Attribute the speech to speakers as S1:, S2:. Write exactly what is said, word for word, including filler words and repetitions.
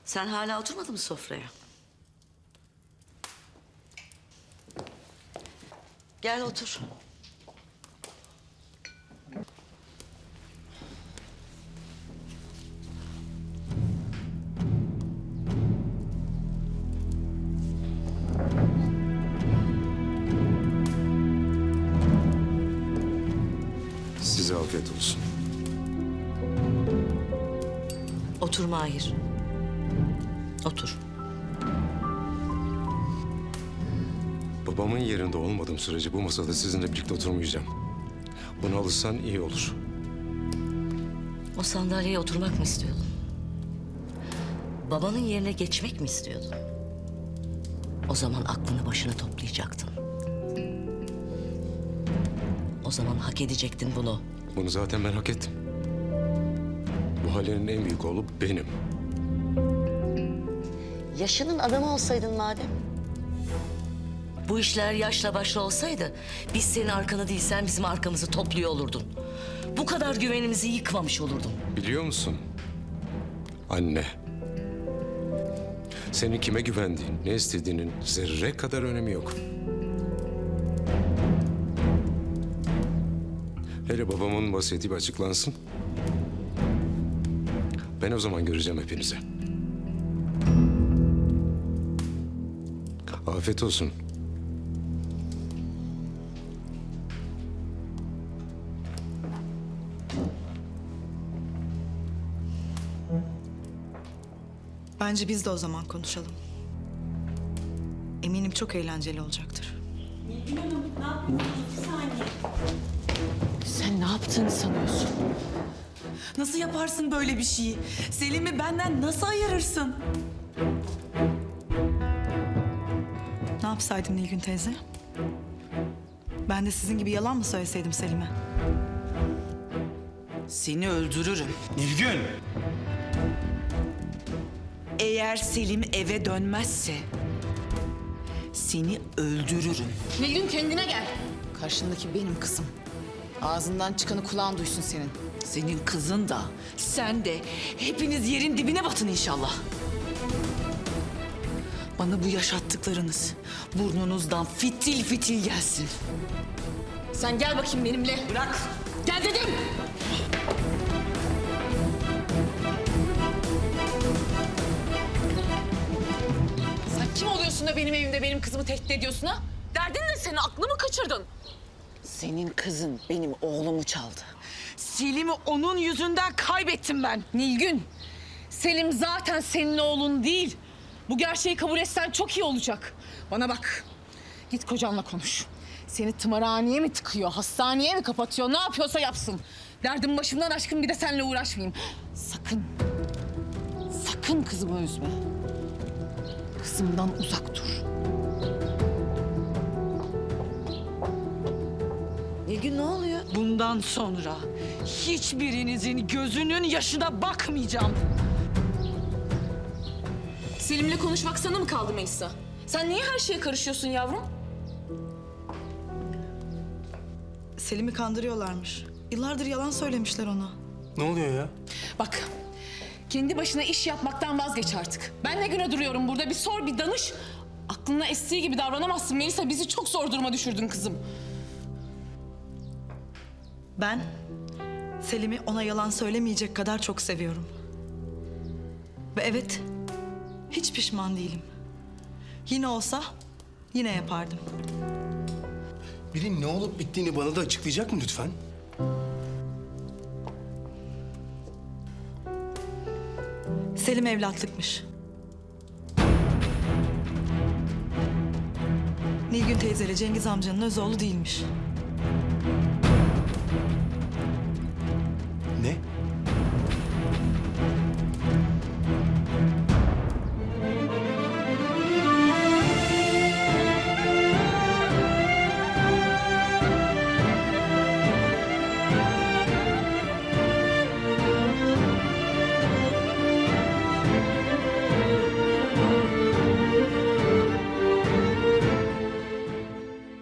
S1: Sen hala oturmadın mı sofraya? Gel otur.
S2: Size afiyet olsun.
S1: Otur Mahir. Otur.
S2: Babamın yerinde olmadığım sürece bu masada sizinle birlikte oturmayacağım. Buna alışsan iyi olur.
S1: O sandalyeye oturmak mı istiyordun? Babanın yerine geçmek mi istiyordun? O zaman aklını başına toplayacaktın. O zaman hak edecektin bunu.
S2: Bunu zaten ben hak ettim. Bu ailenin en büyük oğlu benim.
S1: Yaşının adamı olsaydın madem. Bu işler yaşla başla olsaydı biz senin arkanı değil sen bizim arkamızı topluyor olurdun. Bu kadar güvenimizi yıkmamış olurdun.
S2: Biliyor musun? Anne. Senin kime güvendiğin, ne istediğinin zerre kadar önemi yok. Hele babamın vasiyeti bir açıklansın. Ben o zaman göreceğim hepinizi. Afiyet olsun.
S3: Bence biz de o zaman konuşalım. Eminim çok eğlenceli olacaktır.
S4: Sen ne yaptığını sanıyorsun?
S5: Nasıl yaparsın böyle bir şeyi? Selim'i benden nasıl ayırırsın?
S3: Ne yapsaydım Nilgün teyze? Ben de sizin gibi yalan mı söyleseydim Selim'e?
S5: Seni öldürürüm.
S6: Nilgün!
S5: Eğer Selim eve dönmezse seni öldürürüm.
S4: Nilgün kendine gel. Karşındaki benim kızım. Ağzından çıkanı kulağın duysun senin.
S5: Senin kızın da sen de hepiniz yerin dibine batın inşallah. Bana bu yaşattıklarınız burnunuzdan fitil fitil gelsin.
S4: Sen gel bakayım benimle.
S5: Bırak.
S4: Gel dedim. Sen kim oluyorsun da benim evimde benim kızımı tehdit ediyorsun ha? Derdin ne senin? Aklımı kaçırdın. Senin kızın benim oğlumu çaldı.
S5: Selim'i onun yüzünden kaybettim ben.
S4: Nilgün, Selim zaten senin oğlun değil. Bu gerçeği kabul etsen çok iyi olacak. Bana bak, git kocanla konuş. Seni tımarhaneye mi tıkıyor, hastaneye mi kapatıyor, ne yapıyorsa yapsın. Derdim başımdan aşkın, bir de seninle uğraşmayayım. Sakın, sakın kızımı üzme. Kızımdan uzak dur.
S1: Nilgün ne oluyor?
S5: Bundan sonra hiçbirinizin gözünün yaşına bakmayacağım.
S4: Selim'le konuşmak sana mı kaldı Meysa? Sen niye her şeye karışıyorsun yavrum?
S3: Selim'i kandırıyorlarmış. Yıllardır yalan söylemişler ona.
S6: Ne oluyor ya?
S4: Bak, kendi başına iş yapmaktan vazgeç artık. Ben ne güne duruyorum burada? Bir sor, bir danış. Aklına estiği gibi davranamazsın Melisa. Bizi çok zor duruma düşürdün kızım.
S3: Ben Selim'i ona yalan söylemeyecek kadar çok seviyorum. Ve evet, hiç pişman değilim. Yine olsa yine yapardım.
S6: Biri ne olup bittiğini bana da açıklayacak mı lütfen?
S3: Selim evlatlıkmış. Nilgün teyzeyle Cengiz amcanın öz oğlu değilmiş.